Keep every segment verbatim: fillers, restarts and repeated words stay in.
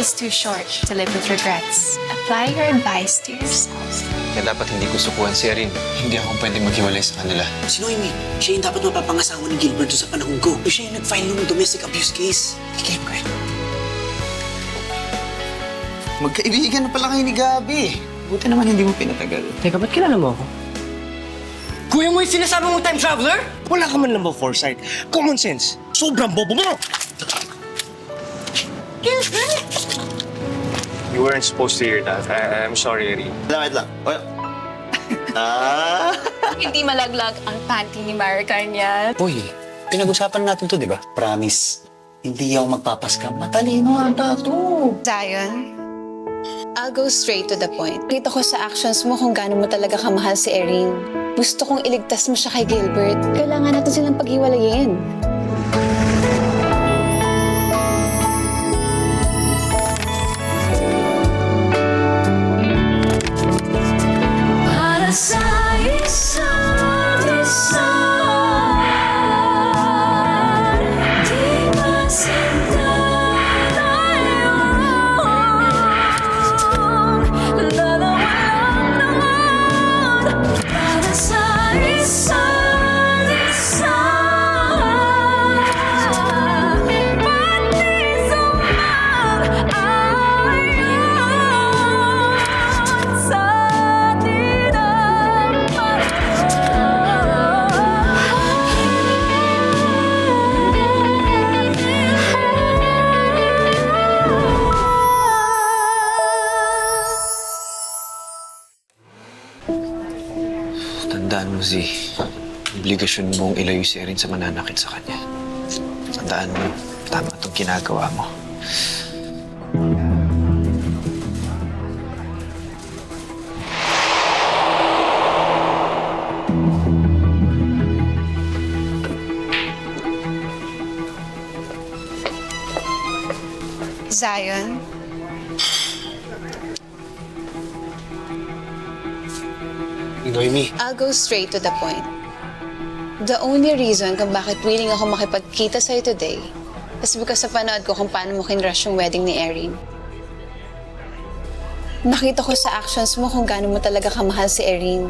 is too short to live with regrets. Apply your advice to yourself. Kaya dapat hindi ko sukuhan si Erin. Hindi ako pwedeng maghiwalay sa kanila. Si Noemi, siya yung dapat mapapangasawa ni Gilbert doon sa panahon ko. Siya yung nag-file ng domestic abuse case. Kay Gilbert. Magkaibigan na pala kayo ni Gabi. Buti naman hindi mo pinatagal. Teka, ba't kilala mo ako? Kuya mo yung sinasabi mong time traveler? Wala ka man lang ba foresight? Common sense. Sobrang bobo mo! You weren't supposed to hear that. I I'm sorry, Erin. Wait lang. Wait. Ah! Hindi malaglag ang panty ni Maricar niya. Uy, pinag-usapan natin to, di ba? Promise. Hindi ako magpapaskam. Matalino ata to. Zion, I'll go straight to the point. Kita ko sa actions mo kung gaano mo talaga kamahal si Erin. Gusto kong iligtas mo siya kay Gilbert. Kailangan natin silang paghiwalayin. Para sa isa't isa, di masinta tayo. Dalawa lang naman. Para sa isa't isa, pati sumang-ayon sa atin ang Tandaan mo, Z. Obligasyon mong ilayo si Erin sa mananakit sa kanya. Tandaan mo, tama itong ginagawa mo. Zion, Noemi. I'll go straight to the point. The only reason kung bakit willing ako makipagkita sa'yo today is because sa panood ko kung paano mo kinrush yung wedding ni Erin. Nakita ko sa actions mo kung gaano mo talaga kamahal si Erin.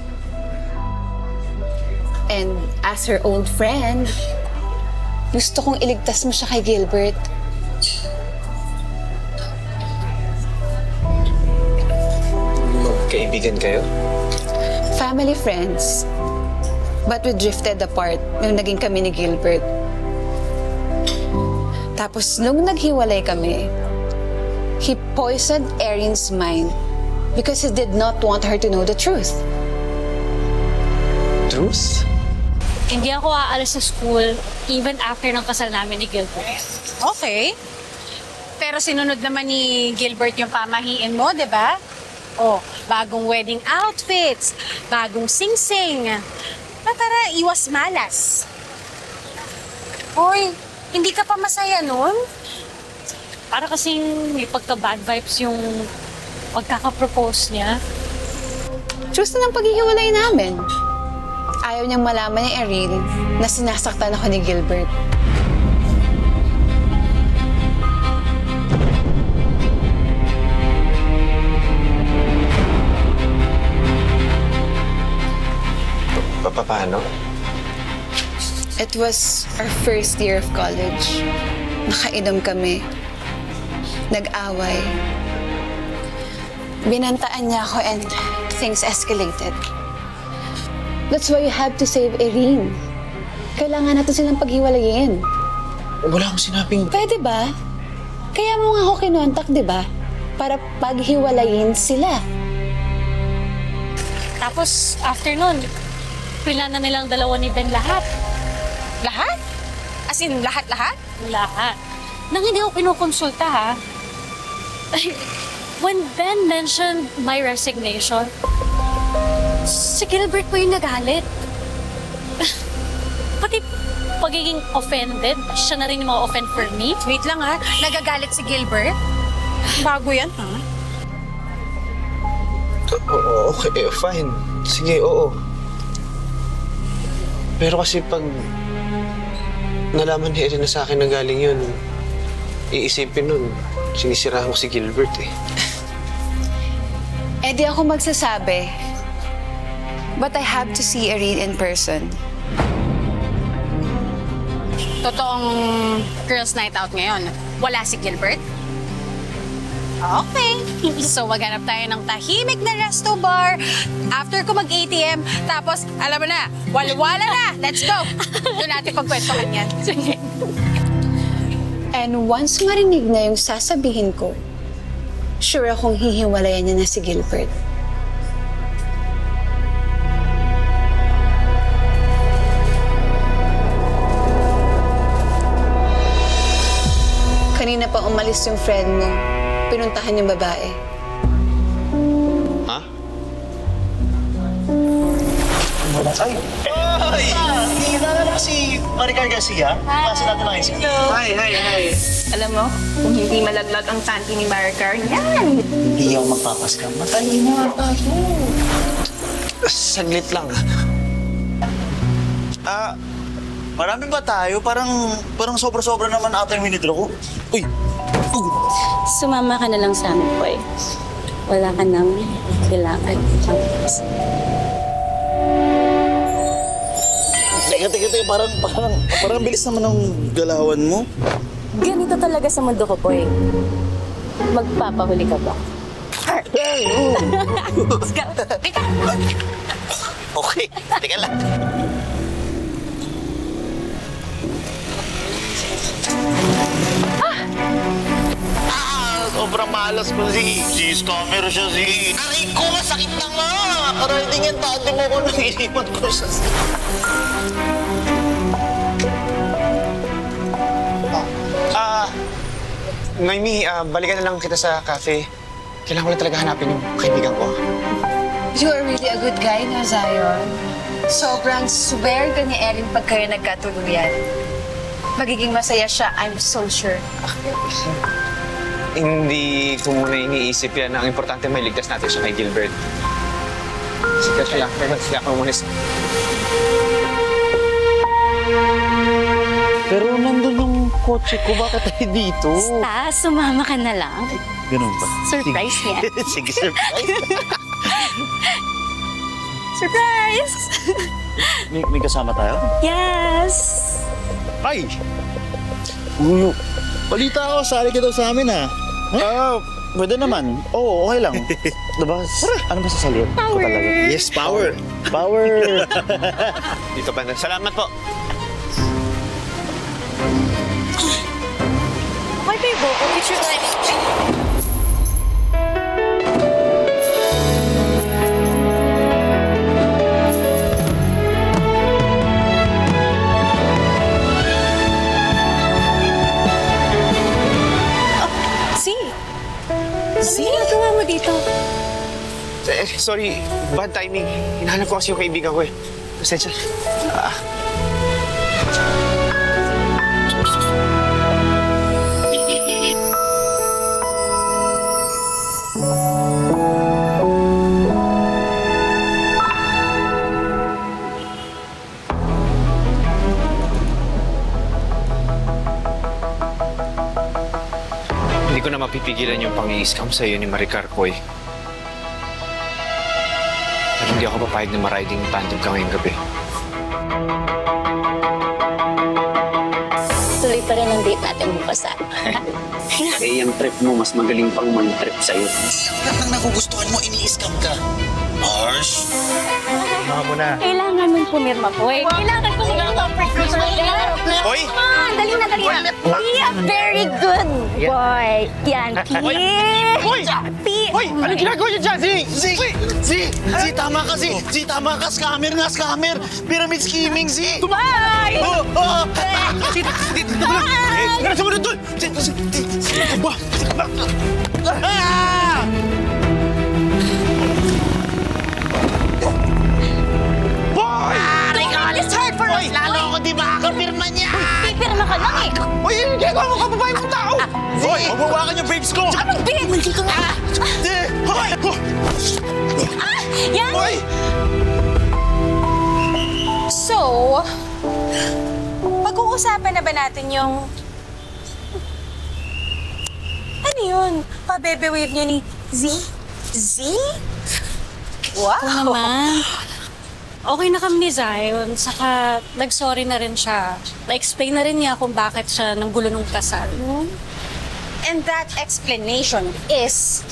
And as her old friend, gusto kong iligtas mo siya kay Gilbert. Magkaibigan kayo? Family friends. But we drifted apart nung naging kami ni Gilbert. Tapos nung naghiwalay kami, he poisoned Erin's mind because he did not want her to know the truth. Truth? Hindi ako aalis sa school even after ng kasal namin ni Gilbert. Okay. Pero sinunod naman ni Gilbert yung pamahiin mo, di ba? Oh, bagong wedding outfits, bagong sing-sing. Na tara, iwas malas. Hoy, hindi ka pa masaya nun? Para kasing may pagka-bad vibes yung pagkaka-propose niya. Truth na ng paghihiwalay namin. Ayaw niyang malaman ni Erin na sinasaktan ako ni Gilbert. Pa- Paano? It was our first year of college. Nakainom kami. Nag-away. Binantaan niya ako and things escalated. That's why you have to save Erin. Kailangan natin silang paghiwalayin. Wala akong sinabing... Pwede ba? Kaya mo nga ako kinontak, di ba? Para paghiwalayin sila. Tapos, after nun, pila na nilang dalawa ni Ben lahat. Lahat? As in, lahat-lahat? Lahat. Nang hindi ko kinukonsulta, ha? When Ben mentioned my resignation, si Gilbert po yung nagalit. Pati pagiging offended, siya na rin yung ma-offend for me. Wait lang ha, nagagalit si Gilbert? Bago yan, ha? Oo, okay, fine. Sige, oo. Pero kasi pag nalaman ni Erin na sa akin na galing yun, iisipin nun, sinisirahan ko si Gilbert eh. Eh di ako magsasabi. But I have to see Erin in person. Totoong girls' night out ngayon. Wala si Gilbert? Okay. So, maghanap tayo ng tahimik na resto bar after ko mag-A T M. Tapos, alam mo na, walwala na. Let's go. Doon natin pagkwentuhan yan. And once marinig na yung sasabihin ko, sure akong hihiwalayan niya na si Gilbert. Kanina pa umalis yung friend mo. Pinuntahan yung babae. Ha? Ay! Ay! Kilala na si Maricar Garcia. Klase natin ng high school. Hi, hi, hi. Alam mo, kung hindi malaglag ang tanti ni Maricar, yan! Hindi ako magpapaskam. Matalino ata ako. Saglit lang. Ah, marami ba tayo? Parang, parang sobra-sobra naman ata yung minidro ko. Uy! Sumama ka na lang sa amin, boy. Wala ka nang kailangan. Teka, teka, teka. Parang, parang, parang bilis naman ng galawan mo. Ganito talaga sa mundo ko, boy. Magpapahuli ka ba? Let's go. Teka. Okay, teka lang. Ah! Sobrang malas ko si... Si scammer siya si... Aray ko, masakit na nga! Aray, tingin tante mo ko nang iniwan ko siya si... Ah, Noemi, ah, balikan na lang kita sa cafe. Kailangan ko lang talaga hanapin yung kaibigan ko. You are really a good guy, no, Zion? Sobrang swerte ni Erin pag kayo nagkatuluyan. Magiging masaya siya, I'm so sure. Hindi ko muna iniisip yan. Ang importante may ligtas natin siya kay Gilbert. Sige, siya. Sige ako muna. Pero nandun yung kotse ko, bakit tayo dito? Basta, sumama ka na lang. Ganun ba? Surprise niya. Sige, surprise. Surprise! may, may kasama tayo? Yes! Ay! Ulo. Balita ako, sali ka daw sa amin, ha? Ah, pwede naman. Oo, okay lang. Diba? Ano ba sasalit ko talaga? Yes, power. Power. Dito pa na. Salamat po. Okay, babe. Picture time. Ano ginagawa mo dito? Eh, sorry, bad timing. Hinahanap ko kasi yung kaibigan ko eh. Pasensya. Ah. Hindi ko na mapipigilan yung pang-i-scam sa'yo ni Maricar Koy. Pero hindi ako papayag na ma-riding tandem ka ngayong gabi. Tuloy pa rin ang date natin bukas, ah. Eh, yung trip mo, mas magaling pang man-trip sa'yo. Lahat ng nagugustuhan mo, ini-scam ka. Harsh. Mga mo na. Kailangan mong pumirma, boy. Kailangan kong mag-comfort mo sa Hoy! Come on, dali na, dali na. Be a very good boy. Yan, P. Hoy! P. Hoy! Ano ginagawa niyo dyan? Si! Si! Si! Si! Tama ka, si! Si! Tama ka! Scammer nga! Scammer! Pyramid scheming, si! Bye! Oh! Oh! Si! Si! Dito mo lang! Eh! Ganun sa muna doon! Si! Si! Si! Si! Ba? Ah! Boy! My God, it's hard for us, Lalo ako di makakapirma niya! Pipirma ka lang eh. Hoy! Yung ginagawa mo kababae mong tao! Hoy! Magwawakan yung babes ko! Tsaka magbigay. Tumigil ka nga! Eh! Hoy! Ah! Yan! Hoy! So, pag-uusapan na ba natin yung... Ano yun? Pa-bebe-wave niya ni Z? Z? Wow! Oo naman. Okay na kami ni Zion, saka nag-sorry na rin siya. Na-explain na rin niya kung bakit siya nanggulo nung kasal. And that explanation is...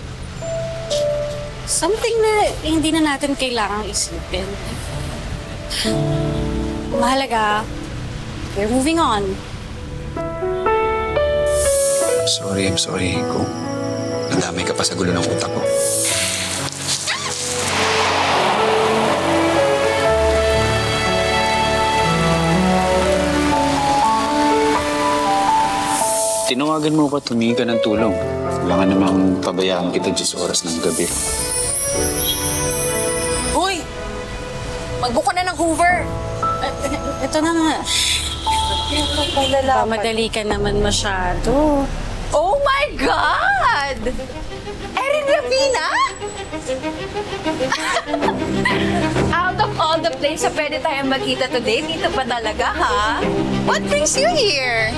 Something na hindi na natin kailangang isipin. Mahalaga, we're moving on. Sorry, I'm sorry, Ko. Nadamay ka pa sa gulo ng utak ko. Tinawagan mo ko, tumingi ka ng tulong. Wala nga namang pabayaan kita dyan sa oras ng gabi. Uy! Magbuka na ng Hoover! Ito na nga. Madali ka naman masyado. Oh my God! Erin Ravina? Out of all the places na pwede tayong magkita today, dito pa talaga, ha? What brings you here?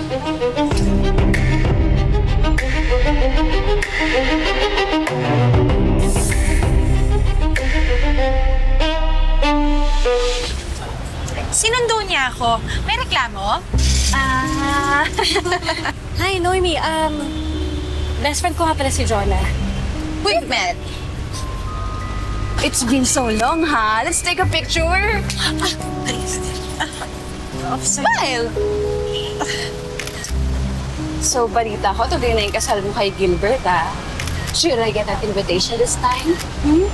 Sinundo niya ako. May reklamo? Ah. Hi, Noemi. Um, best friend ko nga pala si Jonah. We've met. It's been so long, ha? Let's take a picture. Smile! So, balita ko, tuloy na yung kasal mo kay Gilbert, ha? Should I get that invitation this time? Hmm?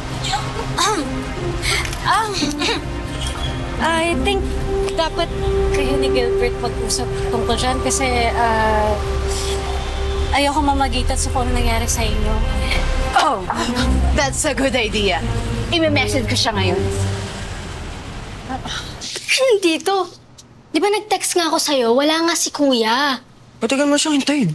Um, I think dapat kayo ni Gilbert mag-usap tungkol dyan kasi uh, ayoko mamagitan sa kung ano nangyari sa inyo. Oh, that's a good idea. I-message ko siya ngayon. Nandito. Di ba nag-text nga ako sa'yo? Wala nga si Kuya. Patagal mo siyang hintayin.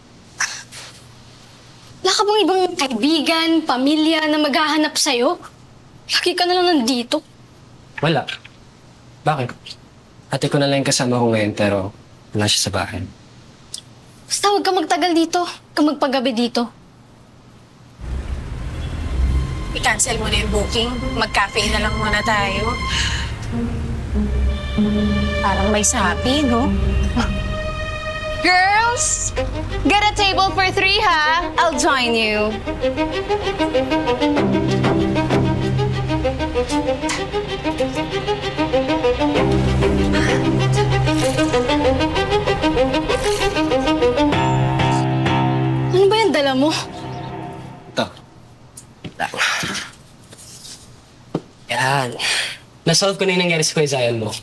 Wala ka bang ibang kaibigan, pamilya na maghahanap sa'yo? Lagi ka na lang nandito. Wala. Bakit? Ate ko na lang yung kasama ko ngayon pero wala siya sa bahay. Basta huwag ka magtagal dito. Huwag ka magpagabi dito. I-cancel mo na yung booking. Mag-cafe na lang muna tayo. Parang may sabi, no? Girls, get a table for three, ha? I'll join you. Ano ba yung dala mo? Ito. Yan. Nasolve ko na yung nangyari sa Kuya Zion mo.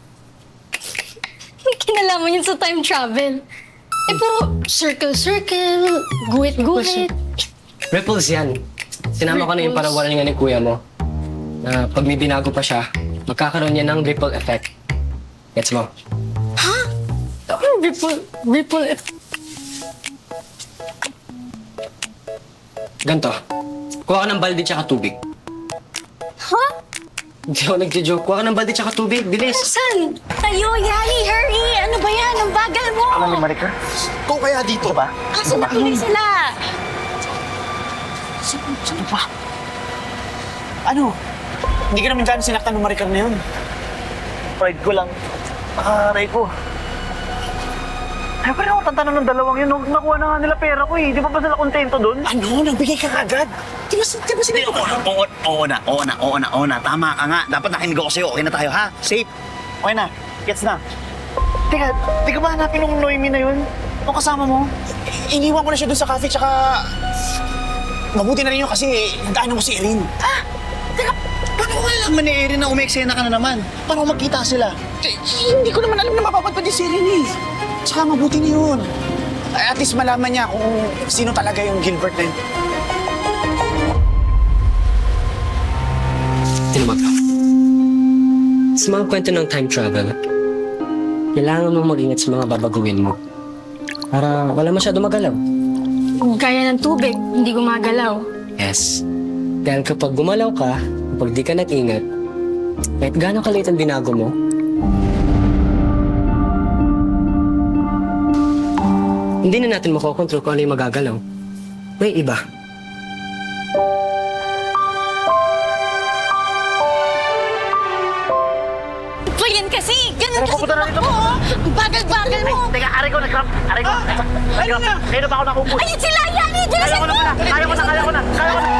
May kinalaman yun sa time travel. Eh pero circle-circle, guhit-guhit. Ripples yan. Sinama ko na yung Ripples. parawalan nga ni Kuya mo. Na pag may binago pa siya, magkakaroon niya ng ripple effect. Gets mo? Ripple, ripple effect. Ganto. Kuha ka ng balde tsaka tubig. Ha? Hindi ako nagja-joke. Kuha ka ng balde tsaka tubig. Bilis! Saan? Tayo, Yali, hurry! Ano ba yan? Ang bagal mo! Alam ni Maricar? Kung kaya dito ba? Kaso nakinig sila! Sino ba? Ano? Hindi ka naman dyan sinaktan ng Maricar na yun. Pride ko lang. Nakaray ko. Ay, pero ako tantanan ng dalawang yun. Nung nakuha na nga nila pera ko eh. Di ba ba sila kontento dun? Ano? Nagbigay ka agad? Di ba, di ba sila? Oo, oo, oo na, oo na, oo na, oo na. Tama ka nga. Dapat nakinig ako sa'yo. Okay na tayo, ha? Safe. Okay na. Gets na. Teka, di ka ba hanapin ng Noemi na yun? O kasama mo? Iniwan ko na siya dun sa cafe, tsaka... Mabuti na rin yun kasi nagdaanan mo si Erin. Ha? Teka, paano ko alam ni Erin na umeksena ka na naman? Paano magkita sila? Eh, hindi ko naman alam na mapapadpad yung si Erin eh. Tsaka mabuti na yun. At least malaman niya kung sino talaga yung Gilbert na yun. Tinumag ka. Sa mga kwento ng time travel, kailangan mong mag-ingat sa mga babaguhin mo. Para wala masyado magalaw. Gaya ng tubig, hindi gumagalaw. Yes. Dahil kapag gumalaw ka, kapag di ka nag-ingat, kahit gano'ng kaliit ang binago mo, Hindi na natin makokontrol kung ano yung magagalaw. May iba. Pa yan kasi! Ganun kasi tumakbo! oh. Ang bagal-bagal mo! Teka, aray ko, nag-cramp. Aray ko. Aray ko. Kaya na ba ako nakupo? Ayun sila! Yani! Kaya Bilisan ko na mo! pala. Kaya ko na, kaya ko na. Kaya ko na.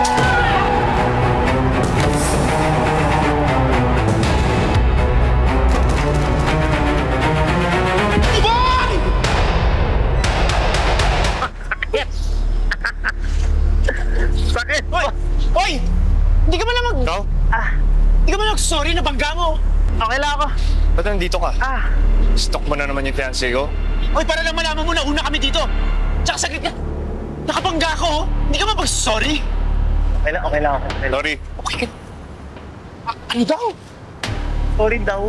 Sakit! Hoy! Hoy! Hindi ka man lang mag... Ikaw? Ah, hindi ka man lang sorry na bangga mo. Okay lang ako. Ba't nandito ka? Ah. Stock mo na naman yung fiancé ko? Hoy, para lang malaman mo na una kami dito. Tsaka saglit ka. Nakabangga ako, oh. Hindi ka man mag-sorry. Okay lang, okay lang ako. Okay lang. Sorry. Okay ka. Ah, ano daw? Sorry daw.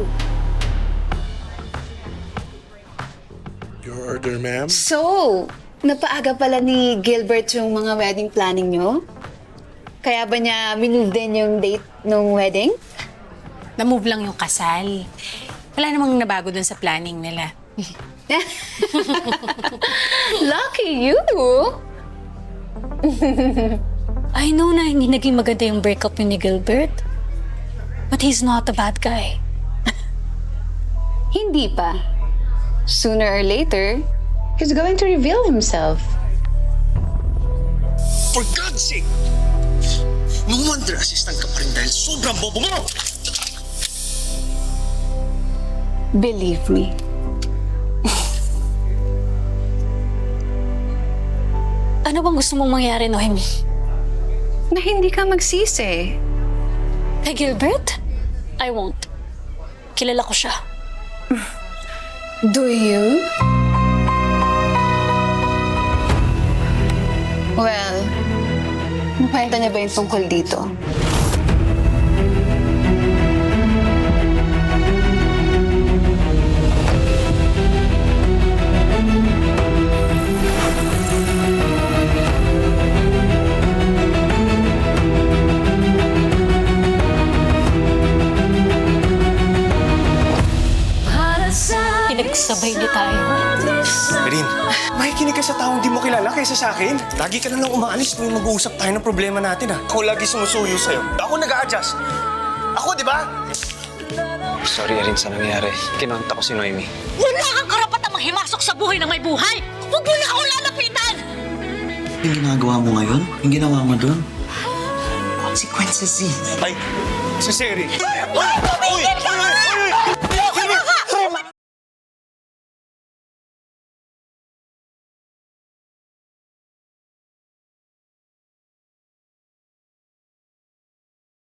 Your order, ma'am? So, napaaga pala ni Gilbert yung mga wedding planning nyo? Kaya ba niya minove din yung date ng wedding? Na-move lang yung kasal. Wala namang nabago dun sa planning nila. Lucky you! I know na hindi naging maganda yung breakup yun ni Gilbert. But he's not a bad guy. Hindi pa. Sooner or later, he's going to reveal himself. For God's sake! No wonder assistant ka pa rin dahil sobrang bobo mo! Believe me. Ano bang gusto mong mangyari, Noemi? Na hindi ka magsisi. Kay Gilbert? I won't. Kilala ko siya. Do you? Well, nakwenta niya ba yung tungkol dito? Pinagsabay niya tayo. Erin, makikinig ka sa taong di mo kilala kaysa sa akin. Lagi ka na lang umaalis tuwing mag-uusap tayo ng problema natin, ha? Ako lagi sumusuyo sa'yo. Ako nag-a-adjust. Ako, di ba? Sorry, Erin, sa nangyari. Kinonta ko si Noemi. Wala kang karapatang manghimasok sa buhay ng may buhay! Huwag mo na ako lalapitan! Yung ginagawa mo ngayon, yung ginawa mo doon, consequences eh. Ay, si Seri. Tumigil ka!